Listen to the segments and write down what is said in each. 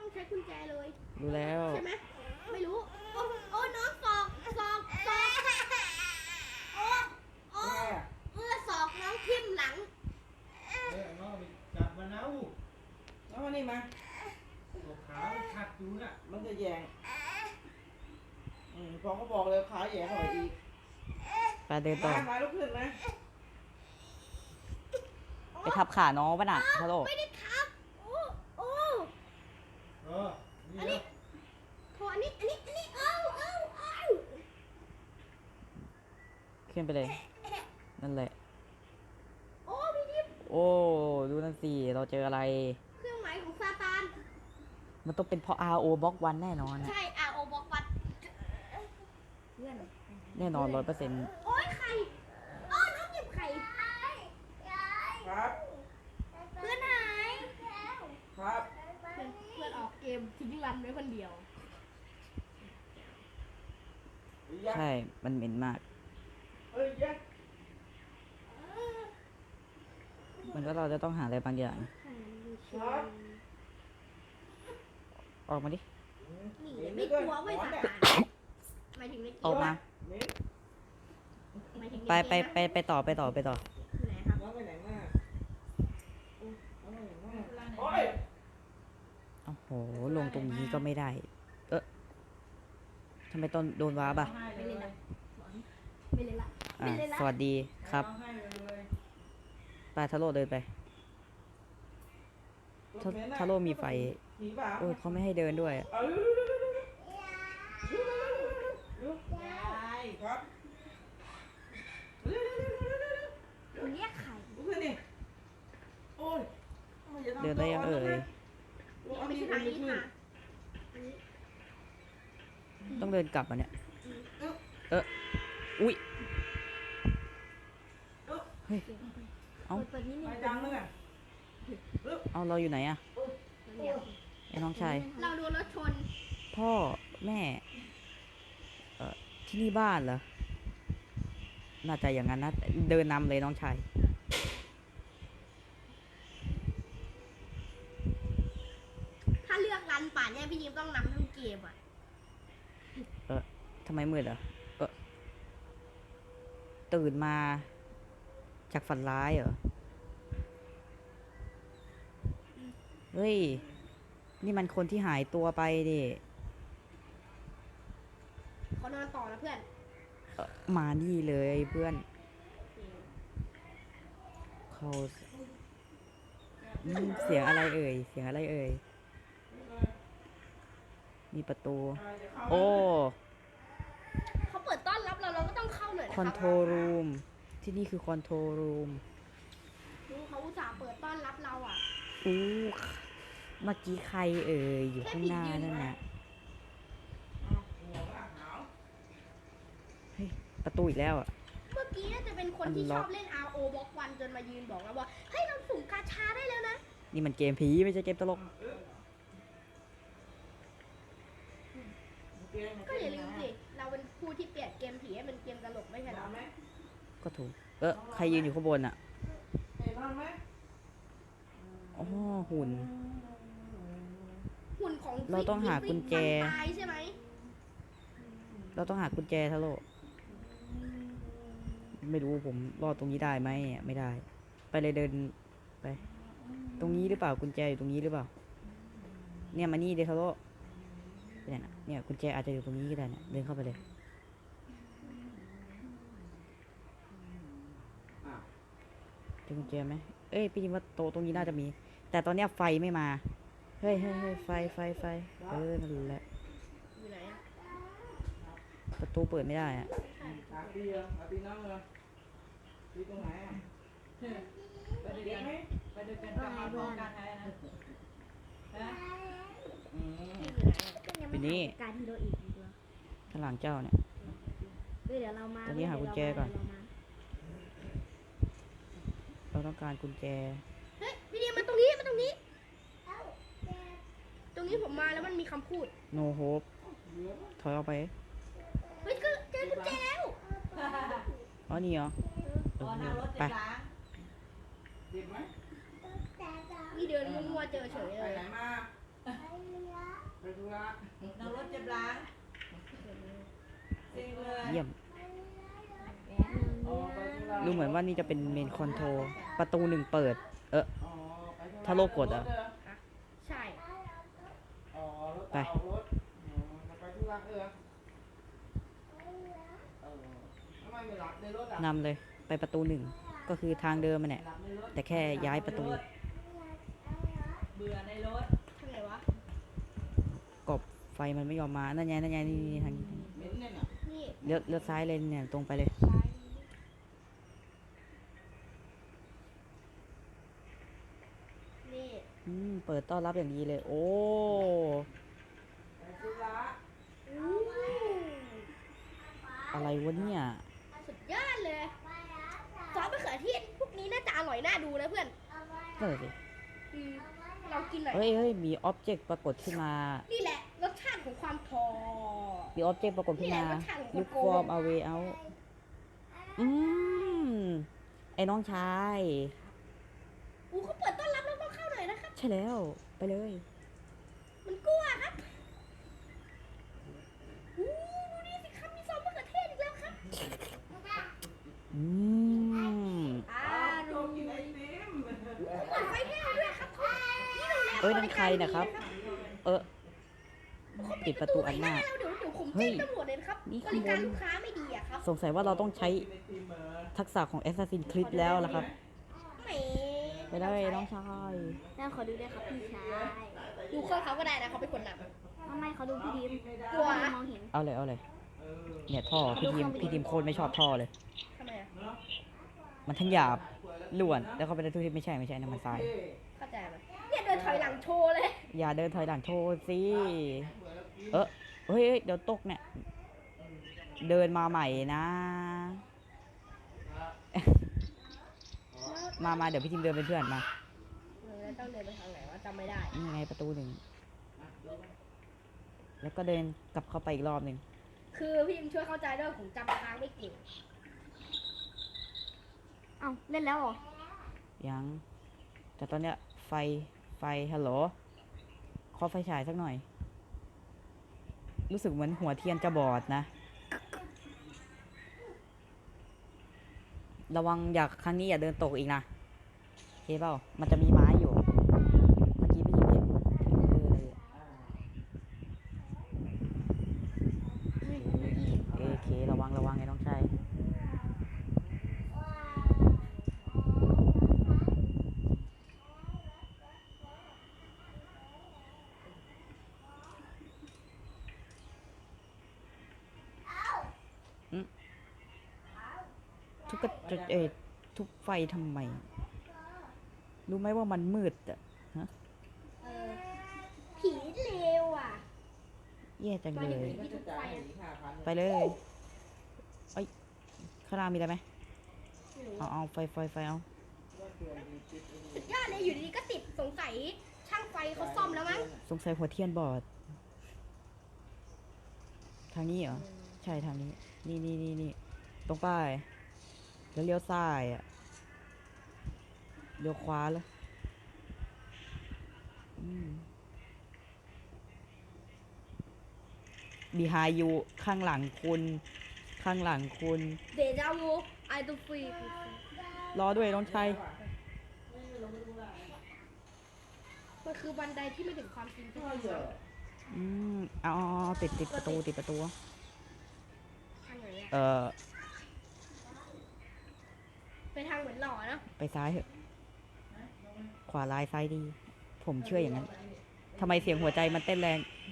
ใช้กุญแจเลยรู้แล้วใช่ไหมไม่รู้โอ้น้องศอกโอ้โอ้ศอกน้องทิ่มหลังน้องจับมาแล้วแล้วมานี่มาตัวขาขัดอยู่น่ะมันจะแยงพอเขาบอกเลยขาแยงเข้าไปอีกไปเดินต่อมาลุกขึ้นนะไปทับขาน้องป่ะน่ะฮัลโหลไม่ได้ทับโอ้อันนี้โถอันนี้ขึ้นไปเลยนั่นแหละโอ้พี่ดิมโอ้ดูนั่นสิเราเจออะไรเครื่องหมายของซาตานมันต้องเป็นเพราะ RO บล็อกวันแน่นอนใช่ RO บล็อกวันเพื่อนแน่นอน100% โอ้ยไข่น้องหยิบไข่ครับเพื่อนหายครับเพื่อนออกเกมทิ้งรันไว้คนเดียวใช่มันเหม็นมากมันก็เราจะต้องหาอะไรบางอย่างออกมาดินี่ไม่กลัวไม่สาหมายถึงในเกมออกมาไปต่ออยู่ไหนครับไปไหนมาโอ้ยโอ้โหลงตรงนี้ก็ไม่ได้ทำไมต้นโดนว้าบ่ะไม่เลยละสวัสดีครับไปทาโร่เดินไปทาโร่มีไฟเขาไม่ให้เดินด้วยเรียกไข่เดินได้ยังเอ่ยไม่ใช่ทางนี้ค่ะต้องเดินกลับอ่ะเนี่ยอุ้ยเฮ้ยเอาเราอยู่ไหนอะไอ้น้องชายเราโดนรถชนพ่อแม่ที่นี่บ้านเหรอน่าจะอย่างนั้นนะเดินนำเลยน้องชายถ้าเลือกรันป่านเนี่ยพี่ยิมต้องนำทั้งเกมอ่ะทำไมมืดอ่ะตื่นมาจากฝันร้ายเหรอเฮ้ยนี่มันคนที่หายตัวไปดิเขานอนต่อนะเพื่อนมานี่เลยเพื่อนเขาเสียงอะไรเอ่ยมีประตูโอ้เขาเปิดต้อนรับเราก็ต้องเข้าหน่อยนะคอนโทรลรูมที่นี่คือคอนโทรลรูมเขาอุตส่าห์เปิดต้อนรับเราอ่ะเมื่อกี้ใครอยู่ข้างหน้านั่นน่ะเฮ้ยประตูอีกแล้วอ่ะเมื่อกี้น่าจะเป็นคนที่ชอบเล่น RO บล็อกวันจนมายืนบอกเราว่าเฮ้ยเราสุ่มกาชาได้แล้วนะนี่มันเกมผีไม่ใช่เกมตลกก็อย่าลืมสิเราเป็นผู้ที่เปลี่ยนเกมผีให้เป็นเกมตลกไม่ใช่หรอก็ถูกใครยืนอยู่ข้างบนอ่ะอ๋อหุ่นของเราต้องหากุญแจตายใช่ไหมเราต้องหากุญแจทะโลไม่รู้ผมรอดตรงนี้ได้ไหมไม่ได้ไปเลยเดินไปตรงนี้หรือเปล่ากุญแจอยู่ตรงนี้หรือเปล่าเนี่ยมานี่เดทะโลเนี่ยกุญแจอาจจะอยู่ตรงนี้ก็ได้เนี่ยเดินเข้าไปเลยเจอกุญแจไหมพี่ยิมว่าโตตรงนี้น่าจะมีแต่ตอนนี้ไฟไม่มาเฮ้ยไฟนั่นแหละประตูเปิดไม่ได้อะตรงไหนไปดูกันกลับมาพร้อมกันนะอยู่นี่การที่เราอีกข้างหลังเจ้าเนี่ยเดี๋ยวเรามาตอนนี้หากุญแจก่อนเราต้องการกุญแจเฮ้ยพี่ดีมาตรงนี้ตรงนี้ผมมาแล้วมันมีคำพูด no hope ถอยออกไปเฮ้ยก็เจอกุญแจแล้วอ๋อนี่เหรอไปนี่เดินมั่วๆเจอเฉยเลยนั่งรถเจ็บหลังเซ็งเลยเยี่ยมอ๋อไปธุระดูเหมือนว่านี่จะเป็นเมนคอนโทรประตูหนึ่งเปิดอ๋อไปธุระถ้าโลกกดอะใช่อ๋อรถไปเอารถอ๋อจะไปธุระทำไมไม่หลับในรถอ่ะนำเลยไปประตูหนึ่งก็คือทางเดิมมันเนี่ยหลับในรถแต่แค่ย้ายประตูเบื่อในรถทางไหนวะกบไฟมันไม่ยอมมานั่นไงนั่นไงนี่ทางนี้เหม็นเนี่ยน่ะนี่เลี้ยวซ้ายเลยเนี่ยตรงไปเลยซ้ายนี่เปิดต้อนรับอย่างดีเลย โอ้ไปธุระอู้อะไรวะเนี่ยสุดยอดเลยซอสมะเขือเทศพวกนี้น่าจะอร่อยน่าดูนะเพื่อนนั่นแหละสิอืมลองกินหน่อยเฮ้ยมีอ็อบเจกต์ปรากฏขึ้นมานี่แหละรสชาติของความทอมีอ็อบเจกต์ปรากฏขึ้นมานี่แหละรสชาติของลูกโกฟงอร์มเอาเวเอาไอ้น้องชายอู้เขาเปิดต้อนรับเราต้องเข้าหน่อยนะครับใช่แล้วไปเลยมันกลัวครับอู้ดูนี่สิครับมีซอสมะเขือเทศอีกแล้วครับอืมโจมกินไอติมเปิดไฟแห้งด้วยครับพ่อนี่โรงแรมเอ้ยนั่นใครนะครับ เออปิดประตูอันหน้าเดี๋ยวผมเฮ้แจ้ยงตำรวจเลยนะครับนี่บข้างริบการนลูกค้าไม่ดีอะครับสงสัยว่าเราต้องใช้ไอติมเหรอทักษะของ Assassin's Creed แล้วล่ะครับแหมไปเลยน้องชายแล้วขอดูด้วยครับพี่ชายดูเครื่องเขาก็ได้นะเขาเป็นคนนทำไมเขาดูพี่ดิมกลัวพี่มองเห็นเอาเลยเอาเลยเออเนี่ยท่อพี่ทีมโคตรไม่ชอบท่อเลยำทำไมอะเนาะมันทั้งหยาบล้วน แล้วเขาเป็นทุกที่ไม่ใช่นะมันทรายเข้าใจไหมเนี่ยเดินถอยหลังโชว์เลยอย่าเดินถอยหลังโชว์สิ เฮ้ยเดี๋ยวตกเนี่ย เดินมาใหม่นะ มาเดี๋ยวพี่ทีมเดินเป็นเพื่อนมาแล้วต้องเดินไปทางไหนวะจำไม่ได้นี่ไงประตูหนึ่ง แล้วก็เดินกลับเข้าไปอีกรอบหนึ่งคือพี่ยิมช่วยเข้าใจด้วยผมจำทางไม่เก่งเอ้าเล่นแล้วเหรอยัง แต่ตอนเนี้ยไฟฮัลโหลขอไฟฉายสักหน่อย รู้สึกเหมือนหัวเทียนจะบอดนะ ระวังครั้งนี้อย่าเดินตกอีกนะโอเคเปล่า มันจะมีไม้อยู่ เมื่อกี้พี่ยิมเห็นโอเคระวังไงน้องชายทุกไฟทำไม รู้ไหมว่ามันมืดอ่ะเออผีเลวอ่ะแย่จังเลยที่ทุกไฟอะไปเลย เอ้ยข้างล่างมีอะไรไหมไม่รู้เอาไฟเอาสุดยอดเลยอยู่ดีๆก็ติดสงสัยช่างไฟเขาซ่อมแล้วมั้งสงสัยหัวเทียนบอด ทางนี้เหรอ ใช่ทางนี้ นี่ตรงป้ายแล้วเลี้ยวซ้ายอ่ะเลี้ยวขวาแล้วบีไฮยูข้างหลังคุณเดจาวูไอตูฟรีรอด้วยน้องชายมันคือบันไดที่ไม่ถึงความจริงที่เอาติดประตูทางไหนอะ ไปทางเหมือนหล่อเนาะไปซ้ายเถอะ ขวาลายซ้ายดี ผมเชื่ออย่างนั้น ทำไมเสียงหัวใจมันเต้นแรง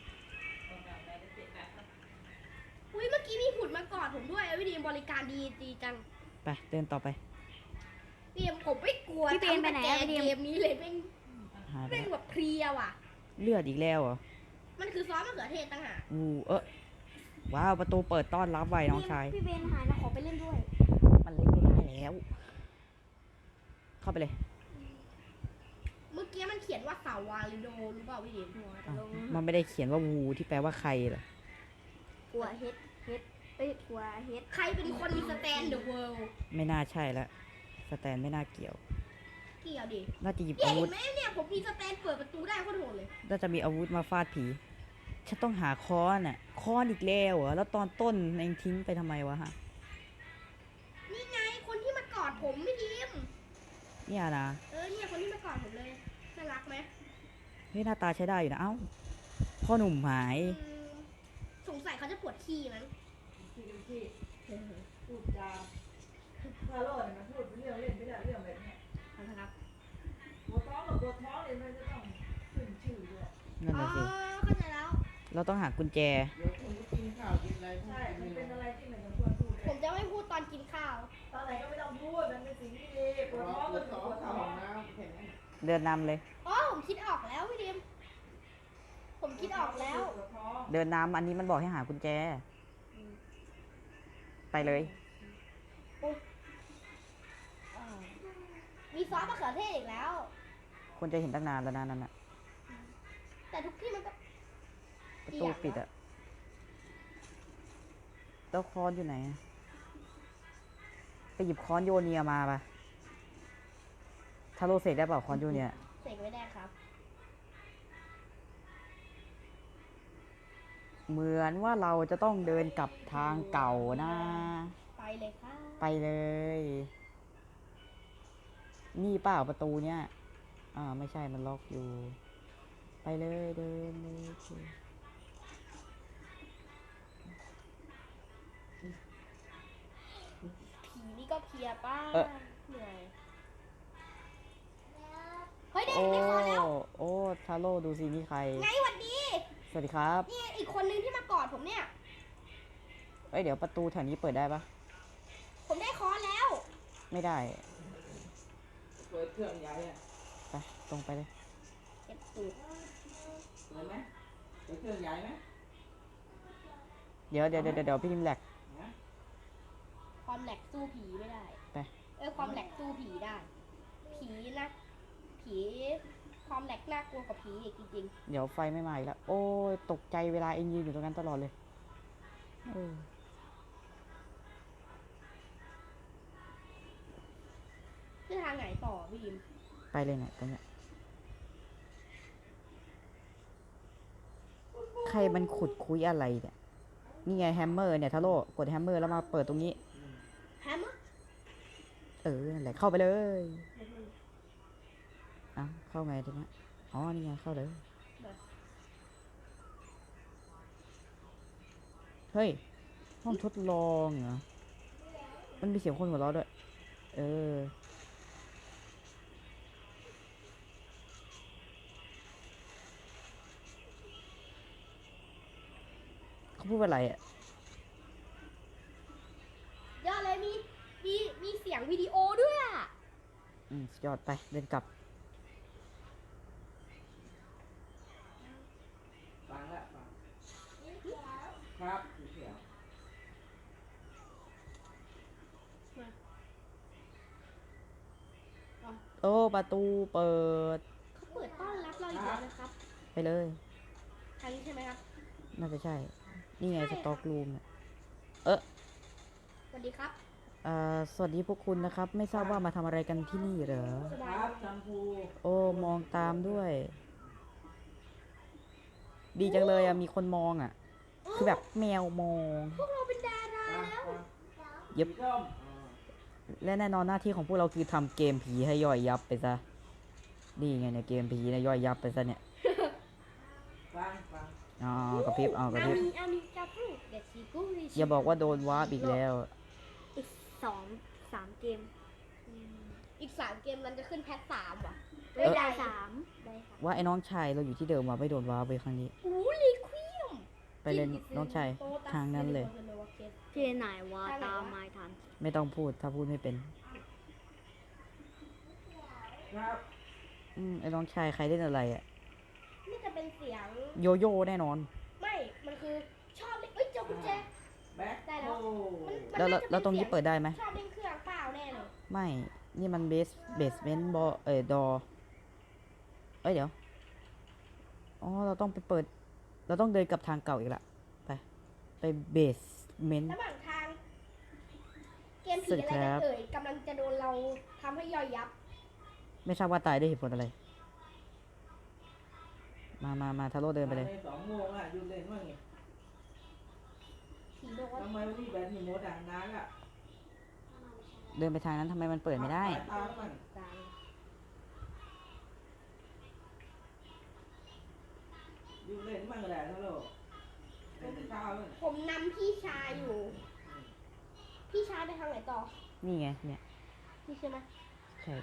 อุ้ยเมื่อกี้มีหุ่นมากอดผมด้วยวิดีบริการดีจังไปเดินต่อไปพี่เอ็มผมไม่กลัวพี่เบนไปไหนอะตั้งแต่พี่เบนเกมนี้เลยเป็นหายไปเป็นแบบเพลียว่ะเลือดอีกแล้วเหรอมันคือซอสมะเขือเทศต่างหากว้าวประตูเปิดต้อนรับไว้น้องชายพี่เบนหายนะขอไปเล่นด้วยมันเล่นไม่ได้แล้ว เข้าไปเลยเมื่อกี้มันเขียนว่าสาวาลิโดรู้เปล่าพี่เอ็มอ้าวมันไม่ได้เขียนว่าวูที่แปลว่าใครเหรอกลัวเฮ็ดกลัวเฮ็ดใครเป็นคนมีสแตนเดอะเวิลด์ไม่น่าใช่ละสแตนไม่น่าเกี่ยวเกี่ยวดิน่าจะหยิบเนี่ยอาวุเห็ธนไหมเนี่ยผมมีสแตนเปิดประตูได้โคตรโหดเลยน่าจะมีอาวุธมาฟาดผีฉันต้องหาค้อนอ่ะค้อนอีกแล้วเหรอแล้วตอนต้นเองทิ้งไปทำไมวะฮะนี่ไงคนที่มากอดผมไม่ทีมเนี่ยนะเนี่ยคนที่มากอดผมเลยน่ารักไหมเฮ้ยหน้าตาใช้ได้อยู่นะเอ้าพ่อหนุ่มหายอืมสงสัยเขาจะปวดขี้มั้งที่พูดจาพาโลดมันพูดเรื่องเล่นไม่ได้เรื่องแบบเนี้ยนะครับตัวท้องกับตัวท้องเนี่ยมันจะต้องขึ้นชื่อด้วยนั่นอ๋อน่ะสิเข้าใจแล้วเราต้องหากุญแจเดี๋ยวคุณก็กินข้าวกินอะไรพวกใช่ มันนี้เป็นอะไรที่ไม่สมควรพูดผมจะไม่พูดตอนกินข้าวตอนไหนก็ไม่ต้องพูด มันเป็นสิ่งที่ดีปวดรอท้องปก็วดคือท้องปวดเข้าท้อห้อง งน้ำแค่นั้นเดินนำเลยอ๋อผมคิดออกแล้วพี่ดิมผมคิดออกแล้วปวดท้องเดินนำอันนี้มันบอกให้หากุญแจ ไปเลยมีซอสมะเขือเทศอีกแล้วคนจะเห็นตั้งนานแล้วนะนั่นน่ะแต่ทุกที่มันก็ประตูปิดอะแล้วค้อนอยู่ไหนอะไปหยิบค้อนโยเนียมาปะทาโร่เสกได้เปล่าค้อนโยเนียเสกไม่ได้ครับเหมือนว่าเราจะต้องเดินกลับทางเก่านะไปเลยครับไปเลย นี่เปล่าประตูเนี้ยไม่ใช่มันล็อกอยู่ ไปเลยเดินเลยผีนี่ก็เพลียป้าเหนื่อยเฮ้ยเด็กโอ้ได้คอแล้วโอ้ทาโร่ดูสินี่ใครไงหวัดดีสวัสดีครับนี่อีกคนนึงที่มากอดผมเนี่ยเอ้ยเดี๋ยวประตูแถวนี้เปิดได้ปะผมได้คอแล้วไม่ได้เปิดเครื่องใหญ่อะไปตรงไปเลยเจ็บตูดเปิดไหมเปิดเครื่องใหญ่ไหมเดี๋ยวพี่พิมพ์แหลกนะความแหลกสู้ผีไม่ได้ไปความแหลกสู้ผีได้ ผีนะ ผีความแหลกน่ากลัวกว่าผีอีกจริงเดี๋ยวไฟไม่มาอีกแล้ว โอ้ยตกใจเวลาเองยืนอยู่ตรงนั้นตลอดเลยเออๆคือทางไหนต่อพี่ยิมไปเลยเนี่ยตรงเนี้ยใครมันขุดคุยอะไรเนี่ย นี่ไงแฮมเมอร์เนี่ยทาโร่กดแฮมเมอร์แล้วมาเปิดตรงนี้แฮมอะนั่นแหละเข้าไปเลยเข้าไงทีเนี้ยอ๋อนี่ไงเข้าเลย เฮ้ย ห้องทดลองเหรอ มันมีเสียงคนหัวเราะด้วย เขาพูดว่าอะไรอ่ะยอดเลยมีเสียงวิดีโอด้วยอะสุดยอดไปเดินกลับฟังละฟังครับเสียวโอ้ประตูเปิดเขาเปิดต้อนรับเราอีกแล้วนะครับไปเลยทางนี้ใช่ไหมครับน่าจะใช่ นี่ไงใช่สต็อกรูมเนี่ยสวัสดีครับสวัสดีพวกคุณนะครับ ไม่ทราบว่ามาทำอะไรกันที่นี่เหรอสคบายรับชัมพูโอ้มองตามด้วย ดีจังเลยอ่ะ มีคนมองอ่ะ คือแบบแมวมองพวกเราเป็นดาราแล้วเย็บสีส้มและแน่นอนหน้าที่ของพวกเราคือทำเกมผีให้ย่อยยับไปซะ นี่ไงเนี่ยเกมผีเนี่ยย่อยยับไปซะเนี่ยฟังกระพริบกระพริบอามีกาพูเด็ดซีกูริอย่าบอกว่าโดนวาร์ปอีกแล้วอีก3 เกมอีก3 เกมมันจะขึ้นแพท3ว่ะเออได้3 ได้ค่ะว่าไอ้น้องชายเราอยู่ที่เดิมว่ะไม่โดนวาร์ปไปครั้งนี้ลิควิมไปเล่นน้องชายทางนั้นเลยเจไหนวะตามไม่ทันไม่ต้องพูดถ้าพูดไม่เป็นครับไอ้น้องชายใครเล่นอะไรอ่ะนี่จะเป็นเสียงโยโย่แน่นอนไม่ มันคือชอบเล่นเจ้ากุญแจแบ็คได้แล้วโอ้มันแล้วน่าจะแล้วตรงนี้สียเปิดได้ไหมชอบเล่นเครื่องเปล่าแน่เลยไม่ นี่มันเบสเมนต์ดอเดี๋ยว อ๋อ เราต้องไปเปิด เราต้องเดินกลับทางเก่าอีกละ ไปเบสเมนต์ระหว่างทาง เกมผีสวัสดีอะไรครักับ นเอ่ยกำลังจะโดนเราทำให้ย่อยยับไม่ทราบว่าตายด้วยเหตุผลอะไรมาทาโร่เดินไปเลยใน2 โมงอ่ะหยุดเล่นว่าไงผีบอกว่าทำไมวันนี้แบตมีโมดนานอ่ะเดินไปทางนั้นทำไมมันเปิดไม่ได้สายตามันกลางหยุดเล่นมันก็ได้นะลูกเล่นแต่เช้าเลยผมนำพี่ชายอยู่ พี่ชายไปทางไหนต่อนี่ไงเนี่ยนี่ใช่ไหมใช่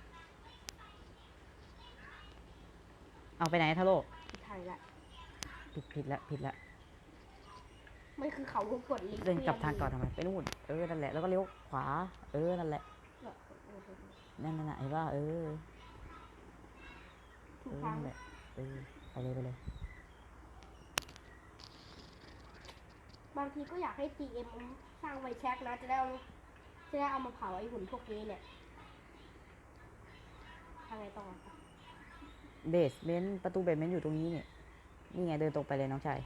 เอาไปไหนทาโร่พี่ไทยละผิดละมันคือเขาวงกดลิงเดินกลับทางก่อนทำไมไปนู่นนั่นแหละแล้วก็เลี้ยวขวานั่นแหละนั่นน่ะเห็นป่ะถูกทางนั่นแหละไปเลยบางทีก็อยากให้ GM สร้างไวแช็กนะจะได้เอามาเผาไอ้หุ่นพวกนี้เนี่ยทางไหนต่อครับเบสเมนต์ประตูเบสเมนต์อยู่ตรงนี้เนี่ยนี่ไงเดินตรงไปเลยน้องชาย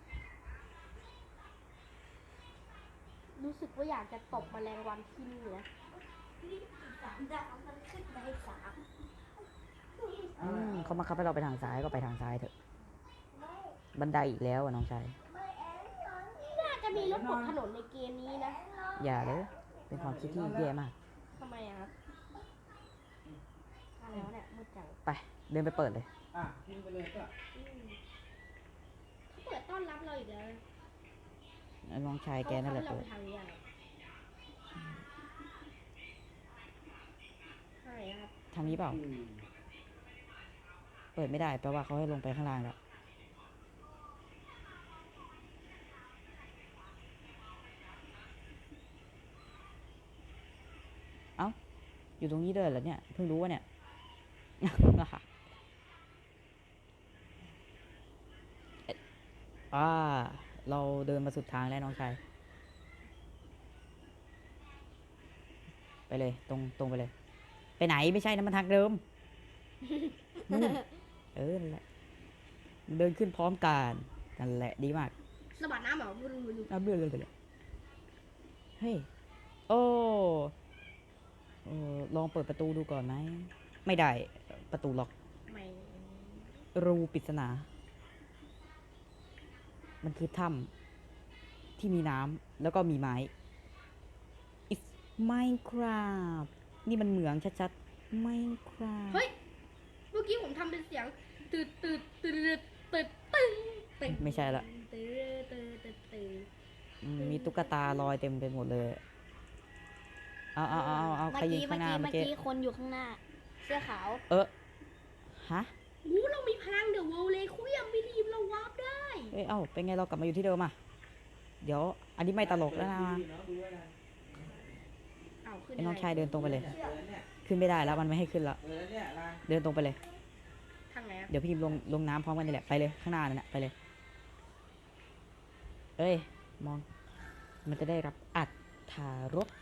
รู้สึกว่าอยากจะตบแมลงวันที่นี่นะเขามาคับให้เราไปทางซ้ายก็ไปทางซ้ายเถอะบันไดอีกแล้วอ่ะน้องชายน่าจะมีรถบดถนนในเกมนี้นะอย่าเลยเป็นความคิดที่แย่มากทำไมอะครับมาแล้วเนี่ยมืดจังไปเดินไปเปิดเลยอ่ะกินไปเลยก็เขาเปิดต้อนรับเราอีกแล้วน้องชายแกนั่นแหละเขาเปิดให้เราไปทางนี้อะไรใช่ครับทางนี้เปล่าเปิดไม่ได้แปลว่าเขาให้ลงไปข้างล่างแล้วเอ้าอยู่ตรงนี้เลยเหรอเนี่ยเพิ่งรู้ว่าเนี่ย เราเดินมาสุดทางแล้วน้องชายไปเลยตรงไปเลย ไปไหนไม่ใช่นะมันทางเดิม นู่นนั่นแหละเดินขึ้นพร้อมกันนั่นแหละดีมากสะบัดน้ำเหรอไม่รู้เบื่อเลยเฮ้ยโอ้ลองเปิดประตูดูก่อนไหมไม่ได้ประตูล็อกไม่รูปริศนา มันคือถ้ำที่มีน้ำแล้วก็มีไม้ It's Minecraft นี่มันเหมืองชัดๆ Minecraft เฮ้ยเมื่อกี้ผมทำเป็นเสียงตืดตึ้งไม่ใช่ละตืดมีตุ๊กตาลอยเต็มไปหมดเลย เอาใครยืนข้างหน้าเมื่อกี้คนอยู่ข้างหน้า เสื้อขาวฮะอู้เรามีพลังเดอะเวิลด์เลยคุยยังมีทีมเราวาร์ปได้เอ้ย เอ้า เป็นไงเรากลับมาอยู่ที่เดิมอ่ะ เดี๋ยว อันนี้ไม่ตลกแล้วนะดูไว้นะเอาขึ้นไอ้น้องชายเดินตรงไปเลยเปิดเนี่ยขึ้นไม่ได้แล้วมันไม่ให้ขึ้นละเปิดเนี่ยร้านเดินตรงไปเลยทางไหนอะเดี๋ยวพี่พิมพ์ลงน้ำพร้อมกันนี่แหละ ไปเลย ข้างหน้านั่นแหละไปเลย เอ้ย มอง มันจะได้รับอัตถารส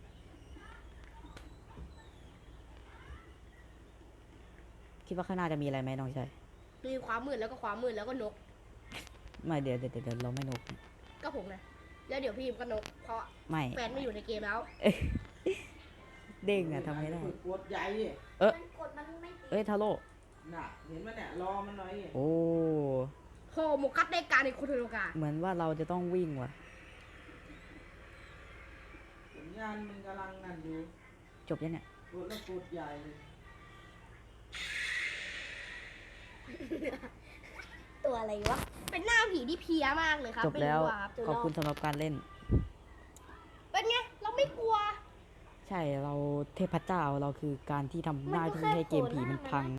คิดว่าข้างหน้าจะมีอะไรไหมน้องชายมีความมืดแล้วก็ความมืดแล้วก็นกไม่เดี๋ยวเราไม่นกก็ผมนะแล้วเดี๋ยวพี่ยิมก็นก เพราะไม่แฟนไม่อยู่ในเกมแล้วเด้งอะทำไงได้ฝึกกดใหญ่ดิกดมันไม่เอ้ยทาโร่น่ะเห็นไหมเนี่ยรอมันหน่อยดิโอ้โฮโมกัสในการในโคโทโรกาเหมือนว่าเราจะต้องวิ่งว่ะสัญญาณมันกำลังนั่นอยู่จบยังเนี่ยกดแล้วกดใหญ่เลยตัวอะไรวะเป็นหน้าผีที่เพี้ยมากเลยครับจบแล้วไม่รู้อะครับขอบคุณสำหรับการเล่นเป็นไง เราไม่กลัวใช่เราเทพเจ้าเราคือการที่ทำหน้าที่ให้เกมผีมันพัง